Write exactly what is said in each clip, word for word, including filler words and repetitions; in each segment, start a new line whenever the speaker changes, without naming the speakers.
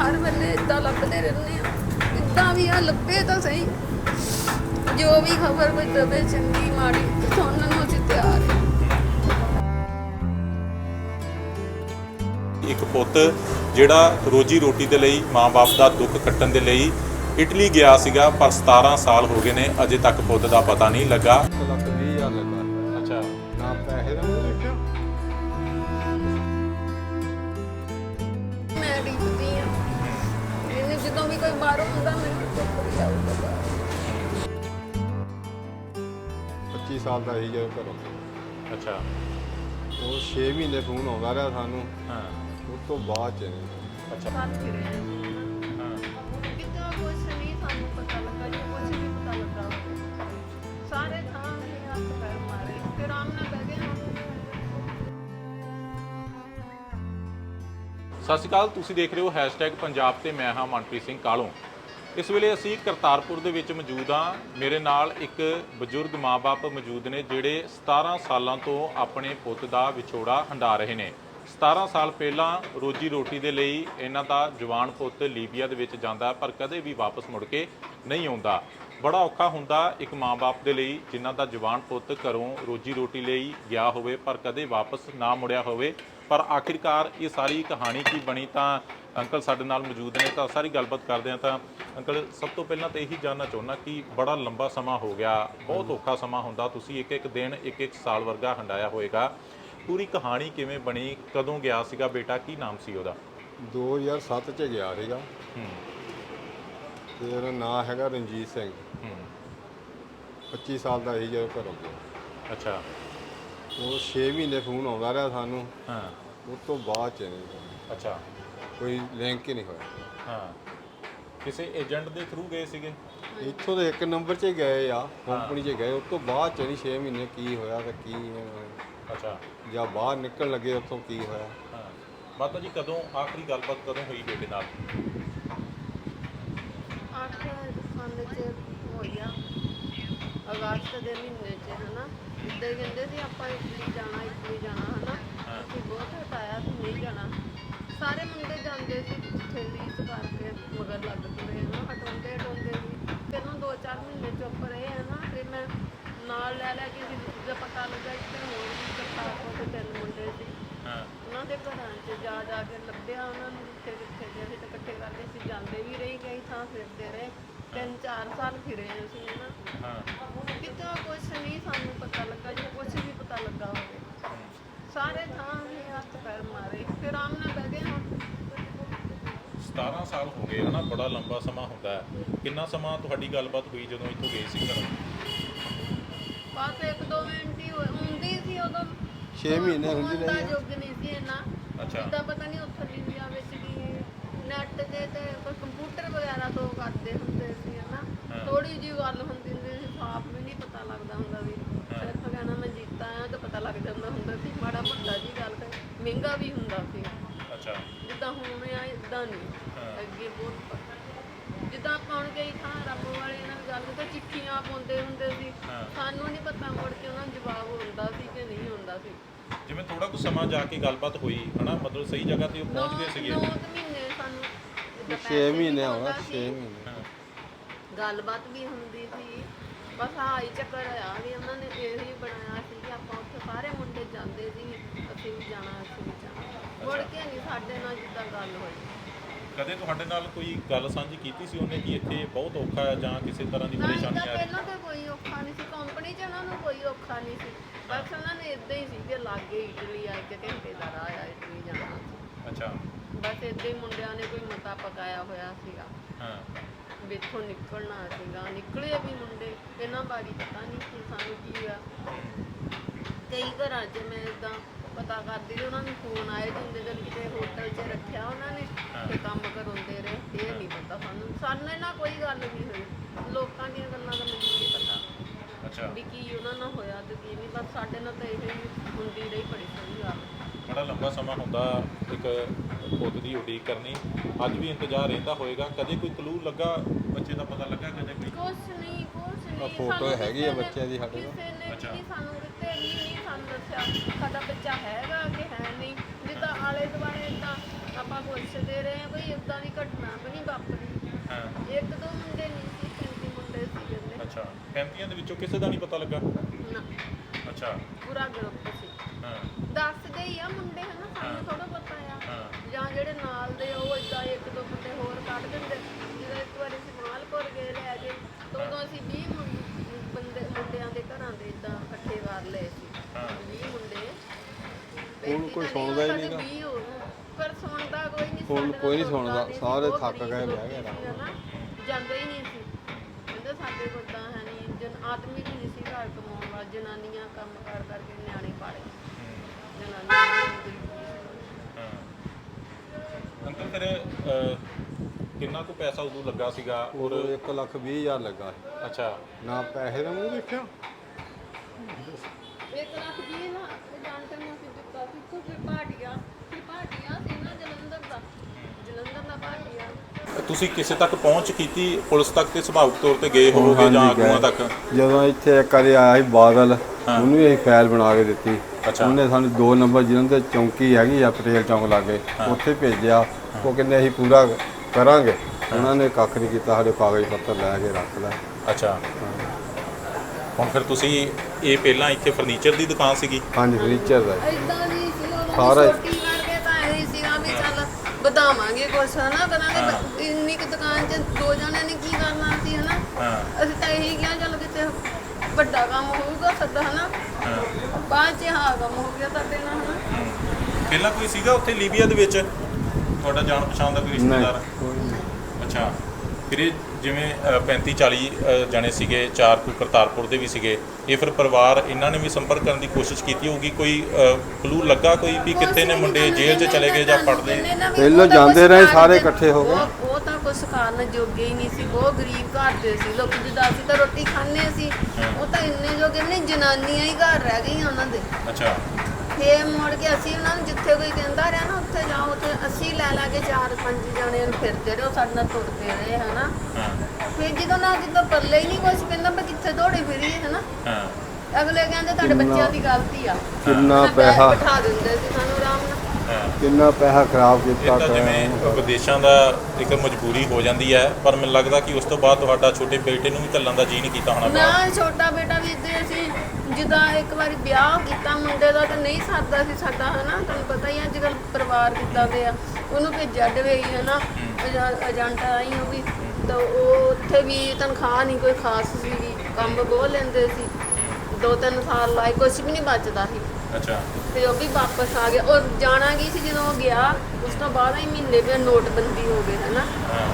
हर वेले इदां लभदे रहने इदां भी आ लभे तो सही जो भी खबर कोई दवे चंगी माड़ी सुनने नूं असीं तैयार हैं।
एक पुत जिहड़ा रोजी रोटी दे लई माँ बाप का दुख कट्टण दे लई इटली गया सीगा पर सतारह साल हो गए ने अजे तक पुत का पता नहीं लगा।
ਲੱਖ ਵੀਹ ਹਜ਼ਾਰ ਲੱਗਾ
अच्छा
ਨਾ ਪੈਸੇ ਦਾ ਨਹੀਂ ਦੇਖਿਆ
मैं डिगदी हाँ मैंने जो भी कोई बाहरों आंदा मैंने चुप कर जाऊगा बाहर।
ਪੱਚੀ ਸਾਲ ਦਾ ਸੀ ਜਦੋਂ ਘਰੋਂ
अच्छा
ਉਹ ਛੇ ਮਹੀਨੇ ਫੋਨ ਆਉਂਦਾ ਰਿਹਾ ਸਾਨੂੰ
हाँ
ਉਸ ਤੋਂ ਬਾਅਦ ਚ ਨਹੀਂ
अच्छा
साथ फिरे हैं
हाँ
कितना कुछ नहीं सानू पता लगा जो कुछ भी पता लगा सारे थां ही हाथ पैर मारे फिर आराम नाल बैठ गए।
ਸਤਿ ਸ਼੍ਰੀ ਅਕਾਲ, ਤੁਸੀਂ ਦੇਖ ਰਹੇ ਹੋ ਹੈਸ਼ਟੈਗ ਪੰਜਾਬ ਤੇ ਮੈਂ ਹਾਂ ਮਨਪ੍ਰੀਤ ਸਿੰਘ ਕਾਲੋਂ। ਇਸ ਵੇਲੇ ਅਸੀਂ ਕਰਤਾਰਪੁਰ ਦੇ ਵਿੱਚ ਮੌਜੂਦ ਹਾਂ। ਮੇਰੇ ਨਾਲ ਇੱਕ ਬਜ਼ੁਰਗ ਮਾਂ-ਬਾਪ ਮੌਜੂਦ ਨੇ ਜਿਹੜੇ ਸਤਾਰਾਂ ਸਾਲਾਂ ਤੋਂ ਆਪਣੇ ਪੁੱਤ ਦਾ ਵਿਛੋੜਾ ਹੰਢਾ ਰਹੇ ਨੇ। ਸਤਾਰਾਂ ਸਾਲ ਪਹਿਲਾਂ ਰੋਜੀ ਰੋਟੀ ਦੇ ਲਈ ਇਹਨਾਂ ਦਾ ਜਵਾਨ ਪੁੱਤ ਲੀਬੀਆ ਦੇ ਵਿੱਚ ਜਾਂਦਾ ਪਰ ਕਦੇ ਵੀ ਵਾਪਸ ਮੁੜ ਕੇ ਨਹੀਂ ਆਉਂਦਾ। ਬੜਾ ਔਖਾ ਹੁੰਦਾ ਇੱਕ ਮਾਂ-ਬਾਪ ਦੇ ਲਈ ਜਿਨ੍ਹਾਂ ਦਾ ਜਵਾਨ ਪੁੱਤ ਘਰੋਂ ਰੋਜੀ ਰੋਟੀ ਲਈ ਗਿਆ ਹੋਵੇ ਪਰ ਕਦੇ ਵਾਪਸ ਨਾ ਮੁੜਿਆ ਹੋਵੇ। ਪਰ ਆਖਿਰਕਾਰ ਇਹ ਸਾਰੀ ਕਹਾਣੀ ਕੀ ਬਣੀ ਤਾਂ ਅੰਕਲ ਸਾਡੇ ਨਾਲ ਮੌਜੂਦ ਨੇ ਤਾਂ ਸਾਰੀ ਗੱਲਬਾਤ ਕਰਦੇ ਹਾਂ। ਤਾਂ ਅੰਕਲ ਸਭ ਤੋਂ ਪਹਿਲਾਂ ਤਾਂ ਇਹੀ ਜਾਣਨਾ ਚਾਹੁੰਦਾ ਕਿ ਬੜਾ ਲੰਬਾ ਸਮਾਂ ਹੋ ਗਿਆ, ਬਹੁਤ ਔਖਾ ਸਮਾਂ ਹੁੰਦਾ, ਤੁਸੀਂ ਇੱਕ ਇੱਕ ਦਿਨ ਇੱਕ ਇੱਕ ਸਾਲ ਵਰਗਾ ਹੰਡਾਇਆ ਹੋਏਗਾ। ਪੂਰੀ ਕਹਾਣੀ ਕਿਵੇਂ ਬਣੀ, ਕਦੋਂ ਗਿਆ ਸੀਗਾ ਬੇਟਾ, ਕੀ ਨਾਮ ਸੀ ਉਹਦਾ?
ਦੋ ਹਜ਼ਾਰ ਸੱਤ ਚ ਗਿਆ ਸੀਗਾ
ਹੂੰ
ਤੇ ਉਹਦਾ ਨਾਂ ਹੈਗਾ ਰਣਜੀਤ ਸਿੰਘ।
ਹੂੰ
ਪੱਚੀ ਸਾਲ ਦਾ ਸੀ ਜਦੋਂ ਘਰੋਂ ਗਿਆ
ਅੱਛਾ
ਉਹ ਛੇ ਮਹੀਨੇ ਫੋਨ ਆਉਂਦਾ ਰਿਹਾ ਸਾਨੂੰ
ਹਾਂ
ਉਸ ਤੋਂ ਬਾਅਦ ਚ ਨਹੀਂ
ਅੱਛਾ
ਕੋਈ ਲਿੰਕ ਹੀ ਨਹੀਂ ਹੋਇਆ।
ਹਾਂ ਕਿਸੇ ਏਜੰਟ ਦੇ ਥਰੂ ਗਏ ਸੀਗੇ?
ਇੱਥੋਂ ਦੇ ਇੱਕ ਨੰਬਰ 'ਚ ਹੀ ਗਏ ਆ, ਕੰਪਨੀ 'ਚ ਗਏ, ਉਸ ਤੋਂ ਬਾਅਦ ਚ ਨਹੀਂ ਛੇ ਮਹੀਨੇ ਕੀ ਹੋਇਆ ਤੇ ਕੀ
ਅੱਛਾ
ਜਾਂ ਬਾਹਰ ਨਿਕਲਣ ਲੱਗੇ ਉੱਥੋਂ ਕੀ ਹੋਇਆ।
ਹਾਂ ਮਾਤਾ ਜੀ ਕਦੋਂ ਆਖਰੀ ਗੱਲਬਾਤ ਕਦੋਂ ਹੋਈ ਬੇਟੇ ਨਾਲ?
ਅੱਠ ਸੰਨ ਚ ਹੋਇਆ ਅਗਸਤ ਦੇ ਮਹੀਨੇ ਚ ਹਨਾ। ਇੱਦਾਂ ਹੀ ਕਹਿੰਦੇ ਸੀ ਆਪਾਂ ਇਟਲੀ ਜਾਣਾ ਇਟਲੀ ਜਾਣਾ ਹਨਾ। ਅਸੀਂ ਬਹੁਤ ਹਟਾਇਆ ਸੀ ਨਹੀਂ ਜਾਣਾ। ਸਾਰੇ ਮੁੰਡੇ ਜਾਂਦੇ ਸੀ ਪਿੱਛੇ ਲੀਸ ਕਰਕੇ ਮਗਰ ਲੱਗ ਪਏ ਹਨਾ, ਹਟਾਉਂਦੇ ਹਟਾਉਂਦੇ ਸੀ। ਪਹਿਲਾਂ ਦੋ ਚਾਰ ਮਹੀਨੇ ਚੁੱਪ ਰਹੇ ਹਨਾ। ਫਿਰ ਮੈਂ ਨਾਲ ਲੈ ਲੈ ਕੇ ਜਦ ਪਤਾ ਲੱਗਾ ਇੱਥੇ ਹੋਰ ਵੀ ਕਰਤਾਰਪੁਰ ਦੇ ਤਿੰਨ ਮੁੰਡੇ ਸੀ ਉਹਨਾਂ ਦੇ ਘਰਾਂ 'ਚ ਜਾ ਜਾ ਕੇ ਲੱਭਿਆ ਉਹਨਾਂ ਨੂੰ ਕਿੱਥੇ ਕਿੱਥੇ ਗਏ ਸੀ ਤੇ ਇਕੱਠੇ ਕਰਦੇ ਸੀ, ਜਾਂਦੇ ਵੀ ਰਹੀ ਕਈ ਥਾਂ ਫਿਰਦੇ ਰਹੇ। ਤਿੰਨ ਚਾਰ ਸਾਲ ਫਿਰੇ ਅਸੀਂ ਹਨਾ। ਕਿਤੋਂ ਕੁਛ ਨਹੀਂ ਸਾਨੂੰ ਪਤਾ ਲੱਗਾ ਜੋ ਕੁਛ ਵੀ ਪਤਾ ਲੱਗਾ ਹੋਵੇ ਸਾਰੇ ਥਾਂ ਹੀ ਹੱਥ ਪੈਰ ਮਾਰੇ ਫਿਰ ਆਰਾਮ ਨਾਲ ਬਹਿ ਗਏ। ਹੁਣ
ਸਤਾਰਾਂ ਸਾਲ ਹੋ ਗਏ ਹਨਾ, ਬੜਾ ਲੰਬਾ ਸਮਾਂ ਹੁੰਦਾ ਹੈ। ਕਿੰਨਾ ਸਮਾਂ ਤੁਹਾਡੀ ਗੱਲਬਾਤ ਹੋਈ ਜਦੋਂ ਇੱਥੋਂ ਗਏ ਸੀ ਘਰੋਂ?
ਬਸ ਇੱਕ ਦੋ ਮਿੰਟ ਹੀ ਹੋਏ ਹੁੰਦੀ ਸੀ ਉਦੋਂ।
ਛੇ ਮਹੀਨੇ ਹੁੰਦੀ
ਫੋਨ ਦਾ
ਰਹੀ ਆ।
ਯੁੱਗ ਨਹੀਂ ਸੀ ਇੰਨਾ।
ਅੱਛਾ
ਜਿੱਦਾਂ ਪਤਾ ਨਹੀਂ ਉੱਥੋਂ ਲੀਬੀਆ ਵਿੱਚ ਵੀ ਨੈੱਟ ਤੇ ਤੇ ਕੋਈ ਕੰਪਿਊਟਰ ਵਗੈਰਾ ਤੋਂ ਕਰਦੇ ਹੁੰਦੇ ਸੀ ਹਨਾ। ਥੋੜੀ ਜਿਹੀ ਗੱਲ ਹੁੰਦੀ ਹੁੰਦੀ ਸੀ, ਸਾਫ਼ ਵੀ ਨਹੀਂ ਪਤਾ ਲੱਗਦਾ ਹੁੰਦਾ ਵੀ ਸਿਰਫ ਕਹਿਣਾ ਮੈਂ ਜੀਤਾ ਆ ਤਾਂ ਪਤਾ ਲੱਗ ਜਾਂਦਾ ਹੁੰਦਾ ਸੀ। ਮਾੜਾ ਮੋਟਾ ਜੀ ਗੱਲ ਤੇ ਮਹਿੰਗਾ ਵੀ ਹੁੰਦਾ ਸੀ
ਅੱਛਾ
ਜਿੱਦਾਂ ਹੁਣ ਆ ਇੱਦਾਂ ਨਹੀਂ। ਅੱਗੇ ਬਹੁਤ ਪਤਾ ਜਿੱਦਾਂ ਆਪਾਂ ਹੁਣ ਕਈ ਥਾਂ ਰੱਬ ਵਾਲੇ ਨਾਲ ਗੱਲ ਤਾਂ ਚਿੱਠੀਆਂ ਪਾਉਂਦੇ ਹੁੰਦੇ ਸੀ, ਸਾਨੂੰ ਨਹੀਂ ਪਤਾ ਮੁੜ ਕੇ ਉਹਨਾਂ ਨੂੰ ਜਵਾਬ ਹੁੰਦਾ ਸੀ ਕਿ ਨਹੀਂ ਹੁੰਦਾ ਸੀ।
ਜਿਵੇਂ ਥੋੜਾ ਕੁ ਸਮਾਂ ਜਾ ਕੇ ਗੱਲਬਾਤ ਹੋਈ ਹਨਾ, ਮਤਲਬ ਸਹੀ ਜਗ੍ਹਾ ਤੇ ਉਹ ਪਹੁੰਚ ਗਏ ਸੀਗੇ?
ਨੌ ਕੁ ਮਹੀਨੇ ਸਾਨੂੰ ਜਿੱਦਾਂ
ਛੇ
ਪੈਸੇ ਵੀ
ਮਹੀਨੇ
ਆਉਂਦਾ
ਹੋਣਾ
ਸੀ,
ਛੇ ਮਹੀਨੇ
ਗੱਲਬਾਤ ਵੀ ਹੁੰਦੀ ਸੀ। ਬਸ ਆਹ ਹੀ ਚੱਕਰ ਆ ਵੀ ਉਹਨਾਂ ਨੇ ਇਹ ਹੀ ਬਣਾਇਆ ਸੀ ਕਿ ਆਪਾਂ ਉੱਥੇ ਸਾਰੇ ਮੁੰਡੇ ਜਾਂਦੇ ਸੀ, ਅਸੀਂ ਵੀ ਜਾਣਾ ਅਸੀਂ ਵੀ ਜਾਣਾ। ਮੁੜ ਕੇ ਨਹੀਂ ਸਾਡੇ ਨਾਲ ਜਿੱਦਾਂ ਗੱਲ ਹੋਈ।
ਕਦੇ ਤੁਹਾਡੇ ਨਾਲ ਕੋਈ ਗੱਲ ਸਾਂਝੀ ਕੀਤੀ ਸੀ ਉਹਨੇ ਕਿ ਇੱਥੇ ਬਹੁਤ ਔਖਾ ਹੈ ਜਾਂ ਕਿਸੇ ਤਰ੍ਹਾਂ ਦੀ
ਨਾ
ਪਰੇਸ਼ਾਨੀ
ਇੱਦਾਂ
ਆ ਰਹੀ?
ਪਹਿਲਾਂ ਤਾਂ ਕੋਈ ਔਖਾ ਨਹੀਂ ਸੀ, ਕੰਪਨੀ 'ਚ ਉਹਨਾਂ ਨੂੰ ਕੋਈ ਔਖਾ ਨਹੀਂ ਸੀ। ਬਸ ਉਹਨਾਂ ਨੇ ਇੱਦਾਂ ਹੀ ਸੀ ਕਿ ਲਾਗੇ ਇਟਲੀ ਆ, ਇੱਕ ਘੰਟੇ ਦਾ ਰਾਹ ਆ, ਇਟਲੀ ਜਾਣਾ ਸੀ।
ਅੱਛਾ
ਬਸ ਇੱਦਾਂ ਹੀ ਮੁੰਡਿਆਂ ਨੇ ਕੋਈ ਮਤਾ ਪਕਾਇਆ ਹੋਇਆ ਸੀਗਾ
ਹਾਂ
ਵੀ ਇੱਥੋਂ ਨਿਕਲਣਾ ਸੀਗਾ। ਨਿਕਲੇ ਵੀ ਮੁੰਡੇ, ਇਹਨਾਂ ਬਾਰੇ ਪਤਾ ਨਹੀਂ ਕਿ ਸਾਨੂੰ ਕੀ ਆ। ਕਈ ਘਰਾਂ 'ਚ ਮੈਂ ਇੱਦਾਂ ਪਤਾ ਕਰਦੀ ਰਹੀ, ਉਹਨਾਂ ਨੂੰ ਫੋਨ ਆਏ ਜਾਂਦੇ ਜਦ ਕਿਤੇ ਹੋਟਲ 'ਚ ਰੱਖਿਆ ਉਹਨਾਂ ਨੇ ਤੇ ਕੰਮ ਕਰਾਉਂਦੇ ਰਹੇ। ਇਹ ਨਹੀਂ ਪਤਾ ਸਾਨੂੰ ਸਾਨੂੰ ਨਾਲ ਕੋਈ ਗੱਲ ਨਹੀਂ ਹੋਈ। ਲੋਕਾਂ ਦੀਆਂ ਗੱਲਾਂ ਦਾ ਮੈਨੂੰ ਨਹੀਂ ਪਤਾ
ਅੱਛਾ
ਵੀ ਕੀ ਉਹਨਾਂ ਨਾਲ ਹੋਇਆ ਤੇ ਕੀ ਨਹੀਂ। ਬਸ ਸਾਡੇ ਨਾਲ ਤਾਂ ਇਹ ਹੀ ਹੁੰਦੀ ਰਹੀ ਬੜੀ ਸਾਰੀ ਗੱਲ।
ਬੜਾ ਲੰਬਾ ਸਮਾਂ ਹੁੰਦਾ ਇੱਕ ਪੁੱਤ ਦੀ ਉਡੀਕ ਕਰਨੀ। ਅੱਜ ਵੀ ਇੰਤਜ਼ਾਰ ਰਹਿੰਦਾ ਹੋਏਗਾ। ਕਦੇ ਕੋਈ ਕਲੂ ਲੱਗਾ ਬੱਚੇ ਦਾ, ਪਤਾ ਲੱਗਾ ਕਦੇ ਕੋਈ?
ਕੁਛ ਨਹੀਂ ਕੁਛ ਨਹੀਂ।
ਫੋਟੋ
ਸਾਨੂੰ
ਹੈਗੀ ਆ
ਕਿਸੇ ਨੇ-
ਬੱਚਿਆਂ ਦੀ ਸਾਡੇ ਕੋਲ।
ਕਿਸੇ ਨੇ
ਅੱਛਾ।
ਵੀ ਸਾਨੂੰ ਕਿਤੇ ਨਹੀਂ ਨਹੀਂ ਸਾਨੂੰ ਦੱਸਿਆ ਸਾਡਾ ਬੱਚਾ ਹੈਗਾ ਕਿ ਹੈ ਨਹੀਂ। ਜਿੱਦਾਂ ਆਲੇ ਦੁਆਲੇ ਤਾਂ ਆਪਾਂ ਪੁੱਛਦੇ ਰਹੇ ਹਾਂ, ਕੋਈ ਇਦਾਂ ਦੀ ਘਟਨਾ ਵੀ ਨਹੀਂ ਵਾਪਰੀ।
ਹਾਂ
ਇੱਕ ਦੋ ਮੁੰਡੇ ਨਹੀਂ ਸੀ, ਪੈਂਤੀ ਮੁੰਡੇ ਸੀ ਕਹਿੰਦੇ।
ਅੱਛਾ ਪੈਂਤੀਆਂ ਦੇ ਵਿੱਚੋਂ ਕਿਸੇ ਦਾ ਨਹੀਂ ਪਤਾ ਲੱਗਾ?
ਨਾ
ਅੱਛਾ
ਪੂਰਾ ਗਰੁੱਪ ਸੀ।
ਹਾਂ
ਦੱਸਦੇ ਹੀ ਆ ਮੁੰਡੇ ਹਨਾ, ਸਾਨੂੰ ਥੋੜਾ ਪਤਾ ਆ।
ਹਾਂ
ਜਾਂ ਜਿਹੜੇ ਨਾਲ ਦੇ ਉਹ ਇਦਾਂ ਇੱਕ ਦੋ ਮੁੰਡੇ ਹੋਰ ਕੱਢ ਦਿੰਦੇ। ਜਦੋਂ ਇੱਕ ਵਾਰੀ ਅਸੀਂ ਮਾਲਪੁਰ ਗਏ ਲੈ ਕੇ, ਤਾਂ ਉਦੋਂ ਅਸੀਂ ਵੀਹ ਬੰਦੇ ਮੁੰਡਿਆਂ ਦੇ ਘਰਾਂ ਦੇ ਇਦਾਂ ਇਕੱਠੇ ਕਰ ਲਏ ਸੀ।
ਹਾਂ
ਵੀਹ ਮੁੰਡੇ
ਹੁਣ ਕੋਈ ਸੁਣਦਾ ਹੀ ਨਹੀਂਗਾ।
ਵੀਹ ਹੋਣ, ਪਰ ਸੁਣਦਾ ਕੋਈ ਨਹੀਂ।
ਹੁਣ
ਸਾਡੇ
ਕੋਈ ਨਹੀਂ
ਨਾਲ
ਸੁਣਦਾ,
ਸੁਣਦਾ
ਸਾਰੇ
ਨਹੀਂ ਸੀ,
ਥੱਕ
ਬਹੁਤ
ਗਏ,
ਗਰੀਬ
ਬਹਿ ਗਏ
ਲੋਕੀ ਸੀ ਹਨਾ, ਜਾਂਦੇ ਹੀ ਨਹੀਂ ਸੀ। ਕਹਿੰਦੇ ਸਾਡੇ ਕੋਲ ਤਾਂ ਹੈ ਨਹੀਂ, ਜਨ ਆਦਮੀ ਵੀ ਨਹੀਂ ਸੀ ਘਰ ਕਮਾਉਣ ਵਾਲਾ, ਜਨਾਨੀਆਂ ਕੰਮ ਕਰ ਕਰਕੇ ਨਿਆਣੇ ਪਾਲੇ। ਜਨਾਨੀਆਂ ਨੂੰ ਗਰੀਬੀ ਸੀ।
ਹਾਂ ਅੰਕਲ ਫਿਰ ਅਹ, ਕਿੰਨਾ ਕੁ ਪੈਸਾ ਉਦੋਂ ਲੱਗਾ ਸੀਗਾ?
ਉਦੋਂ ਇੱਕ ਲੱਖ ਵੀਹ ਹਜ਼ਾਰ ਲੱਗਾ ਸੀ।
ਅੱਛਾ
ਨਾ ਪੈਸੇ ਦਾ ਮੂੰਹ ਦੇਖਿਆ।
ਇੱਕ ਲੱਖ ਵੀਹ ਨਾ ਜਾਣਤੇ ਨੂੰ ਅਸੀਂ ਦਿੱਤਾ ਸੀ। ਇੱਥੋਂ ਫਿਰ ਭਾਟੀਆ ਫਿਰ ਭਾਟੀਆ ਸੀ ਨਾ ਜਲੰਧਰ ਦਾ, ਜਲੰਧਰ ਦਾ ਭਾਟੀਆ।
ਤੁਸੀਂ ਕਿਸੇ ਤੱਕ ਪਹੁੰਚ ਕੀਤੀ? ਪੁਲਿਸ ਤੱਕ ਤੇ ਸੁਭਾਵਿਕ ਤੌਰ ਤੇ ਗਏ ਹੋਵੋਗੇ ਜਾਂ
ਹਾਂਜੀ,
ਆਗੂਆਂ
ਗਏ।
ਤੱਕ?
ਜਦੋਂ ਇੱਥੇ ਇੱਕ ਵਾਰੀ ਆਇਆ ਸੀ ਬਾਦਲ,
ਹਾਂ।
ਉਹਨੂੰ ਵੀ ਅਸੀਂ ਫਾਈਲ ਬਣਾ ਕੇ ਦਿੱਤੀ।
ਅੱਛਾ।
ਉਹਨੇ ਸਾਨੂੰ ਦੋ ਨੰਬਰ ਜਲੰਧਰ ਚੌਂਕੀ ਹੈਗੀ ਆ ਪਟੇਲ ਚੌਂਕ ਲਾਗੇ, ਉੱਥੇ ਭੇਜਿਆ। ਉਹ ਕਹਿੰਦੇ ਅਸੀਂ ਪੂਰਾ ਕਰਾਂਗੇ। ਉਹਨਾਂ ਨੇ ਕੱਖ ਨਹੀਂ ਕੀਤਾ, ਸਾਡੇ ਕਾਗਜ਼ ਪੱਤਰ ਲੈ ਕੇ ਰੱਖ ਲੈ।
ਅੱਛਾ ਹੁਣ ਫਿਰ ਤੁਸੀਂ ਇਹ ਪਹਿਲਾਂ ਇੱਥੇ ਫਰਨੀਚਰ ਦੀ ਦੁਕਾਨ ਸੀਗੀ?
ਹਾਂਜੀ ਫਰਨੀਚਰ ਦਾ
ਇਦਾਂ ਦੀ ਸੀ ਉਹ
ਸਾਰਾ ਹੀ।
ਛੋਟੀ ਕਰਕੇ ਤਾਂ ਇਹ ਸੀਗਾ ਵੀ ਚੱਲ ਵਧਾਵਾਂਗੇ ਕੁਛ ਹਨਾ, ਕਰਾਂਗੇ। ਇੰਨੀ ਕੁ ਦੁਕਾਨ 'ਚ ਦੋ ਜਣਿਆਂ ਨੇ ਕੀ ਕਰਨਾ ਸੀ ਹਨਾ।
ਹਾਂ
ਅਸੀਂ ਤਾਂ ਇਹੀ ਕਿਹਾ ਚੱਲ ਕਿਤੇ ਵੱਡਾ ਕੰਮ ਹੋਊਗਾ ਸਾਡਾ ਹਨਾ।
ਹਾਂ
ਬਾਅਦ 'ਚ ਹਾਂ ਕੰਮ ਹੋ ਗਿਆ ਸਾਡੇ ਨਾਲ ਹਨਾ।
ਪਹਿਲਾਂ ਕੋਈ ਸੀਗਾ ਉੱਥੇ ਲੀਬੀਆ ਦੇ ਵਿੱਚ ਤੁਹਾਡਾ ਜਾਣ ਪਛਾਣ ਦਾ ਕੋਈ ਰਿਸ਼ਤੇਦਾਰ?
ਕੋਈ ਨਹੀਂ।
ਅੱਛਾ ਫਿਰ ਇਹ ਜਿਵੇਂ ਪੈਂਤੀ ਚਾਲੀ ਜਣੇ ਸੀਗੇ, ਚਾਰ ਕੁ ਕਰਤਾਰਪੁਰ ਦੇ ਵੀ ਸੀਗੇ, ਇਹ ਫਿਰ ਪਰਿਵਾਰ ਇਹਨਾਂ ਨੇ ਵੀ ਸੰਪਰਕ ਕਰਨ ਦੀ ਕੋਸ਼ਿਸ਼ ਕੀਤੀ ਹੋਊਗੀ? ਕੋਈ ਕਲੂ ਲੱਗਾ ਕੋਈ ਵੀ ਕਿੱਥੇ ਨੇ ਮੁੰਡੇ ਜੇਲ੍ਹ 'ਚ ਚਲੇ ਗਏ ਜਾਂ ਪੜਦੇ?
ਪਹਿਲੋਂ ਜਾਂਦੇ ਰਹੇ ਸਾਰੇ ਇਕੱਠੇ ਹੋ ਗਏ।
ਉਹ ਉਹ ਤਾਂ ਕੁਛ ਕਾਰਨ ਜੋਗੇ ਹੀ ਨਹੀਂ ਸੀ, ਬਹੁਤ ਗਰੀਬ ਘਰ ਦੇ ਸੀ ਲੋਕ। ਜਿੱਦਾਂ ਅਸੀਂ ਤਾਂ ਰੋਟੀ ਖਾਂਦੇ ਸੀ, ਉਹ ਤਾਂ ਇੰਨੇ ਜੋਗੇ ਨਹੀਂ, ਜਨਾਨੀਆਂ ਹੀ ਘਰ ਰਹਿ ਗਈਆਂ ਉਹਨਾਂ ਦੇ।
ਅੱਛਾ
ਫੇਰ ਮੁੜ ਕੇ ਅਸੀਂ ਉਹਨਾਂ ਨੂੰ ਜਿੱਥੇ ਕੋਈ ਕਹਿੰਦਾ ਰਿਹਾ ਨਾ ਉੱਥੇ ਜਾਓ, ਉੱਥੇ ਅਸੀਂ ਲੈ ਲਾ ਕੇ ਚਾਰ ਪੰਜ ਜਣੇ ਨੂੰ ਫਿਰਦੇ ਰਹੇ, ਉਹ ਸਾਡੇ ਨਾਲ ਤੁਰਦੇ ਰਹੇ ਹਨਾ।
ਹਾਂ
ਫਿਰ ਜਦੋਂ ਨਾ ਜਿੱਦਾਂ ਪੱਲੇ ਹੀ ਨਹੀਂ ਕੁਛ ਕਹਿੰਦਾ ਮੈਂ ਕਿੱਥੇ ਦੌੜੇ ਫਿਰੀ ਹਨਾ।
ਹਾਂ
ਅਗਲੇ ਕਹਿੰਦੇ ਤੁਹਾਡੇ ਬੱਚਿਆਂ ਦੀ ਗਲਤੀ ਆ।
ਕਿੰਨਾ
ਉਹਨਾਂ ਬੈਗ
ਪੈਸਾ
ਬਿਠਾ ਦਿੰਦੇ ਸੀ ਸਾਨੂੰ ਆਰਾਮ ਨਾਲ।
ਹਾਂ
ਕਿੰਨਾ ਪੈਸਾ ਖਰਾਬ ਕੀਤਾ
ਇਹ ਤਾਂ ਜਿਵੇਂ ਵਿਦੇਸ਼ਾਂ ਦਾ ਇੱਕ ਮਜਬੂਰੀ ਹੋ ਜਾਂਦੀ ਹੈ, ਪਰ ਮੈਨੂੰ ਲੱਗਦਾ ਕਿ ਉਸ ਤੋਂ ਬਾਅਦ ਤੁਹਾਡਾ ਛੋਟੇ ਬੇਟੇ ਨੂੰ ਵੀ ਘੱਲਣ ਦਾ ਜੀ ਨਹੀਂ ਕੀਤਾ ਹੋਣਾ ਬਾਹਰ।
ਨਾ ਛੋਟਾ ਬੇਟਾ ਵੀ ਇੱਦਾਂ ਸੀ, ਜਿੱਦਾਂ ਇੱਕ ਵਾਰੀ ਵਿਆਹ ਕੀਤਾ ਮੁੰਡੇ ਦਾ ਤਾਂ ਨਹੀਂ ਸਰਦਾ ਸੀ ਸਾਡਾ ਹਨਾ। ਤੁਹਾਨੂੰ ਪਤਾ ਹੀ ਅੱਜ ਕੱਲ੍ਹ ਪਰਿਵਾਰ ਕਿੱਦਾਂ ਦੇ ਆ। ਉਹਨੂੰ ਭੇਜਿਆ ਡਵੇਈ ਹਨਾ, ਏਜੰਟ ਆਈ ਉਹ ਵੀ, ਤਾਂ ਉਹ ਉੱਥੇ ਵੀ ਤਨਖਾਹ ਨਹੀਂ ਕੋਈ ਖਾਸ ਸੀਗੀ, ਕੰਮ ਬਹੁਤ ਲੈਂਦੇ ਸੀ। ਦੋ ਤਿੰਨ ਸਾਲ ਲਾਏ, ਕੁਛ ਵੀ ਨਹੀਂ ਬਚਦਾ ਸੀ।
ਅੱਛਾ
ਤੇ ਉਹ ਵੀ ਵਾਪਸ ਆ ਗਿਆ। ਉਹ ਜਾਣਾ ਗਈ ਸੀ ਜਦੋਂ ਉਹ ਗਿਆ, ਉਸ ਤੋਂ ਬਾਅਦ ਹੀ ਮਹੀਨੇ ਵਿੱਚ ਨੋਟਬੰਦੀ ਹੋ ਗਈ ਹਨਾ।
ਹਾਂ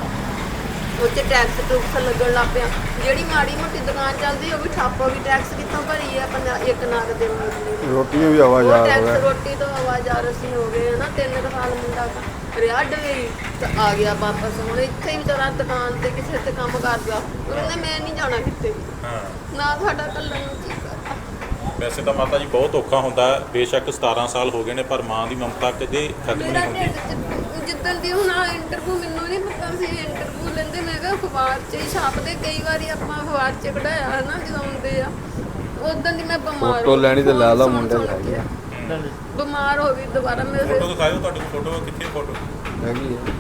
ਉਹ 'ਚ ਟੈਕਸ ਟੂਕਸ ਲੱਗਣ ਲੱਗ ਪਿਆ। ਜਿਹੜੀ ਮਾੜੀ ਮੋਟੀ ਦੁਕਾਨ ਚੱਲਦੀ ਉਹ ਵੀ ਠੱਪ ਹੋ ਗਈ। ਟੈਕਸ ਕਿੱਥੋਂ ਭਰੀ ਆ? ਪੰਜਾ ਇੱਕ ਨਗ ਦੇ ਮੁੰਡੇ ਦੀ।
ਰੋਟੀ ਵੀ ਆਵਾਜ਼
ਉਹ
ਆ
ਟੈਕਸ
ਰਿਹਾ।
ਰੋਟੀ ਤੋਂ ਆਵਾਜ਼ਾਰ ਅਸੀਂ ਹੋ ਗਏ ਹਨਾ। ਤਿੰਨ ਕੁ ਸਾਲ ਮੁੰਡਾ ਰਿਹਾ ਡਵੇਈ ਤੇ ਆ ਗਿਆ ਵਾਪਸ। ਹੁਣ ਇੱਥੇ ਹੀ ਵਿਚਾਰਾ ਦੁਕਾਨ ਤੇ ਕਿਸੇ ਤੇ ਕੰਮ ਕਰਦਾ। ਉਹ ਕਹਿੰਦਾ ਮੈਂ ਨਹੀਂ ਜਾਣਾ ਕਿਤੇ ਵੀ,
ਹਾਂ
ਨਾ ਸਾਡਾ ਕੱਲਣ ਨੂੰ ਕੀ ਕਰਦਾ।
ਵੈਸੇ ਤਾਂ ਮਾਤਾ ਜੀ ਬਹੁਤ ਔਖਾ ਹੁੰਦਾ ਹੈ। ਬੇਸ਼ੱਕ ਸਤਾਰਾਂ ਸਾਲ ਹੋ ਗਏ ਨੇ, ਪਰ ਮਾਂ ਦੀ ਮਮਤਾ ਕਦੇ ਖਤਮ
ਮੇਰਾ
ਨਹੀਂ ਹੁੰਦੀ।
ਢਿੱਡ 'ਚ ਜਿੱਦਣ ਦੀ ਹੁਣ ਇੰਟਰਵਿਊ ਮੈਨੂੰ ਨਹੀਂ ਪਤਾ ਸੀ ਇੰਟਰਵਿਊ ਲੈਂਦੇ। ਮੈਂ ਕਿਹਾ ਅਖਬਾਰ 'ਚ ਹੀ ਛਾਪਦੇ, ਕਈ ਵਾਰੀ ਆਪਾਂ ਅਖਬਾਰ 'ਚ ਕਢਾਇਆ ਹੈ ਨਾ ਜਦੋਂ ਆਉਂਦੇ ਆ। ਉਦੋਂ ਦੀ ਮੈਂ ਬਿਮਾਰ
ਫੋਟੋ ਲੈਣੀ ਤੇ ਲੈ ਲਾ
ਸੁਣ-
ਮੁੰਡੇ
ਸੁਣ
ਲੈ
ਕੇ
ਗਿਆ।
ਬਿਮਾਰ ਹੋ ਗਈ ਦੁਬਾਰਾ ਮੇਰੇ।
ਫੋਟੋ ਦਿਖਾਇਓ, ਤੁਹਾਡੀ ਫੋਟੋ ਕਿੱਥੇ ਫੋਟੋ?
ਹੈਗੀ ਆ।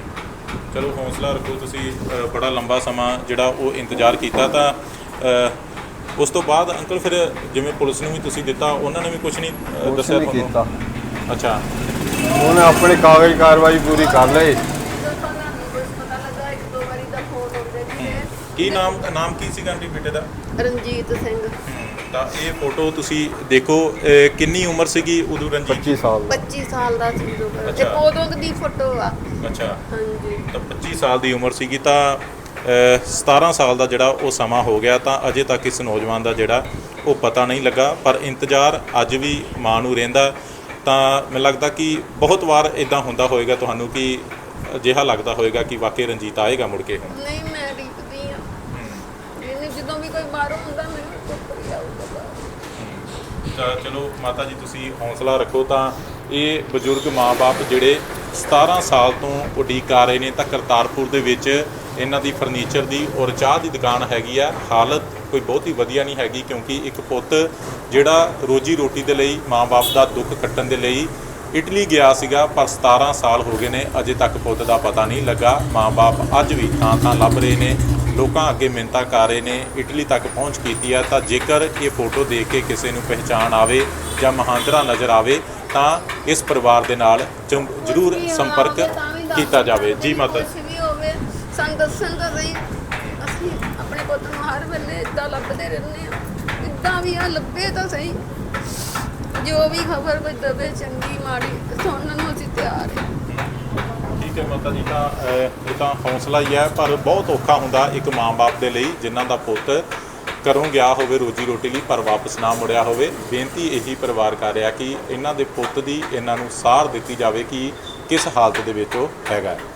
ਚਲੋ ਹੌਸਲਾ ਰੱਖੋ। ਤੁਸੀਂ ਅ, ਬੜਾ ਲੰਬਾ ਸਮਾਂ ਜਿਹੜਾ ਉਹ ਇੰਤਜ਼ਾਰ ਕੀਤਾ, ਤਾਂ ਅ, ਉਸ ਤੋਂ ਬਾਅਦ ਅੰਕਲ ਫਿਰ ਜਿਵੇਂ ਪੁਲਿਸ ਨੂੰ ਵੀ ਤੁਸੀਂ ਦਿੱਤਾ, ਉਹਨਾਂ ਨੇ ਵੀ ਕੁਝ ਨਹੀਂ ਅ,
ਕੁਛ
ਦੱਸਿਆ
ਨਹੀਂ ਕੀਤਾ।
ਅੱਛਾ
ਉਹਨੇ ਆਪਣੀ ਕਾਗਜ਼ ਕਾਰਵਾਈ ਪੂਰੀ ਕਰ ਲਈ।
ਪਤਾ ਨਹੀਂ ਕੁਛ ਪਤਾ ਲੱਗਾ। ਇੱਕ ਦੋ ਵਾਰੀ ਦਾ ਫੋਨ ਆਉਂਦੇ ਸੀ।
ਕੀ ਨਾਮ ਨਾਮ ਕੀ ਸੀਗਾ ਆਂਟੀ ਬੇਟੇ ਦਾ?
ਰਣਜੀਤ ਸਿੰਘ।
ਤਾਂ ਇਹ ਫੋਟੋ ਤੁਸੀਂ ਦੇਖੋ, ਅ, ਕਿੰਨੀ ਉਮਰ ਸੀਗੀ ਉਦੋਂ ਰਣਜੀਤ?
ਪੱਚੀ ਸਾਲ ਦਾ।
ਪੱਚੀ ਸਾਲ ਦਾ ਸੀ ਉਦੋਂ। ਇਹ
ਅੱਛਾ।
ਉਦੋਂ ਦੀ ਫੋਟੋ ਆ।
ਅੱਛਾ
ਹਾਂਜੀ
ਤਾਂ ਪੱਚੀ ਸਾਲ ਦੀ ਉਮਰ ਸੀਗੀ, ਤਾਂ ਅ, ਸਤਾਰਾਂ ਸਾਲ ਦਾ ਜਿਹੜਾ ਉਹ ਸਮਾਂ ਹੋ ਗਿਆ। ਤਾਂ ਅਜੇ ਤੱਕ ਇਸ ਨੌਜਵਾਨ ਦਾ ਜਿਹੜਾ ਉਹ ਪਤਾ ਨਹੀਂ ਲੱਗਾ, ਪਰ ਇੰਤਜ਼ਾਰ ਅੱਜ ਵੀ ਮਾਂ ਨੂੰ ਰਹਿੰਦਾ। ਤਾਂ ਮੈਨੂੰ ਲੱਗਦਾ ਕਿ ਬਹੁਤ ਵਾਰ ਇਦਾਂ ਹੁੰਦਾ ਹੋਵੇਗਾ ਤੁਹਾਨੂੰ ਕਿ ਅਜਿਹਾ ਲੱਗਦਾ ਹੋਵੇਗਾ ਕਿ ਵਾਕਈ ਰਣਜੀਤ ਆਏਗਾ ਮੁੜ ਕੇ।
ਨਹੀਂ ਮੈਂ ਡੀਕਦੀ ਆ ਇਹਨੇ, ਜਦੋਂ ਵੀ ਕੋਈ ਬਾਹਰੋਂ ਹੁੰਦਾ ਮੈਨੂੰ ਚੁੱਪ ਹੀ ਆਊਗਾ ਬਾਹਰ।
ਤਾਂ ਚਲੋ ਮਾਤਾ ਜੀ ਤੁਸੀਂ ਹੌਸਲਾ ਰੱਖੋ। ਤਾਂ ਇਹ ਬਜ਼ੁਰਗ ਮਾਂ-ਬਾਪ ਜਿਹੜੇ ਸਤਾਰਾਂ ਸਾਲ ਤੋਂ ਉਡੀਕ ਕਰ ਰਹੇ ਨੇ, ਤਾਂ ਕਰਤਾਰਪੁਰ ਦੇ ਵਿੱਚ ਇਹਨਾਂ ਦੀ ਫਰਨੀਚਰ ਦੀ ਔਰ ਚਾਹ ਦੀ ਦੁਕਾਨ ਹੈਗੀ ਆ। ਹਾਲਤ ਕੋਈ ਬਹੁਤੀ ਵਧੀਆ ਨਹੀਂ ਹੈਗੀ, ਕਿਉਂਕਿ ਇੱਕ ਪੁੱਤ ਜਿਹੜਾ ਰੋਜੀ ਰੋਟੀ ਦੇ ਲਈ ਮਾਂ-ਬਾਪ ਦਾ ਦੁੱਖ ਕੱਟਣ ਦੇ ਲਈ ਇਟਲੀ ਗਿਆ ਸੀਗਾ, ਪਰ ਸਤਾਰਾਂ ਸਾਲ ਹੋ ਗਏ ਨੇ, ਅਜੇ ਤੱਕ ਪੁੱਤ ਦਾ ਪਤਾ ਨਹੀਂ ਲੱਗਾ। ਮਾਂ-ਬਾਪ ਅੱਜ ਵੀ ਥਾਂ ਥਾਂ ਲੱਭ ਰਹੇ ਨੇ, ਲੋਕਾਂ ਅੱਗੇ ਮਿੰਨਤਾਂ ਕਰ ਰਹੇ ਨੇ, ਇਟਲੀ ਤੱਕ ਪਹੁੰਚ ਕੀਤੀ ਆ। ਤਾਂ ਜੇਕਰ ਇਹ ਫੋਟੋ ਦੇਖ ਕੇ ਕਿਸੇ ਨੂੰ ਪਹਿਚਾਣ ਆਵੇ ਜਾਂ ਮਹਾਂਦਰਾ ਨਜ਼ਰ ਆਵੇ ਤਾਂ ਇਸ ਪਰਿਵਾਰ ਦੇ ਨਾਲ ਜ਼ਮ- ਜ਼ਰੂਰ
ਕੁਛ ਵੀ
ਸੰਪਰਕ
ਹੋਵੇ ਤਾਂ ਵੀ ਦੱਸ
ਕੀਤਾ ਜਾਵੇ। ਜੀ
ਕੁਛ
ਮਾਤਾ
ਵੀ ਹੋਵੇ ਸਾਨੂੰ ਦੱਸਣ ਤਾਂ ਸਹੀ। ਅਸੀਂ ਆਪਣੇ ਪੁੱਤ ਨੂੰ ਹਰ ਵੇਲੇ ਇਦਾਂ ਲੱਭਦੇ ਰਹਿੰਦੇ ਆ, ਇਦਾਂ ਵੀ ਆ ਲੱਭੇ ਤਾਂ ਸਹੀ। ਜੋ ਵੀ ਖਬਰ ਕੋਈ ਦਵੇ, ਚੰਗੀ ਮਾੜੀ, ਸੁਣਨ ਨੂੰ ਅਸੀਂ ਤਿਆਰ ਹਾਂ।
ਠੀਕ ਹੈ ਮਾਤਾ ਜੀ। ਤਾਂ ਅਹ, ਇਹ ਤਾਂ ਹੌਸਲਾ ਹੀ ਹੈ, ਪਰ ਬਹੁਤ ਔਖਾ ਹੁੰਦਾ ਇੱਕ ਮਾਂ-ਬਾਪ ਦੇ ਲਈ ਜਿਨ੍ਹਾਂ ਦਾ ਪੁੱਤ ਘਰੋਂ ਗਿਆ ਹੋਵੇ ਰੋਜੀ ਰੋਟੀ ਲਈ, ਪਰ ਵਾਪਸ ਨਾ ਮੁੜਿਆ ਹੋਵੇ। ਬੇਨਤੀ ਇਹੀ ਪਰਿਵਾਰ ਕਰ ਰਿਹਾ ਕਿ ਇਹਨਾਂ ਦੇ ਪੁੱਤ ਦੀ ਇਹਨਾਂ ਨੂੰ ਸਾਰ ਦਿੱਤੀ ਜਾਵੇ ਕਿ ਕਿਸ ਹਾਲਤ ਦੇ ਵਿੱਚ ਉਹ ਹੈਗਾ।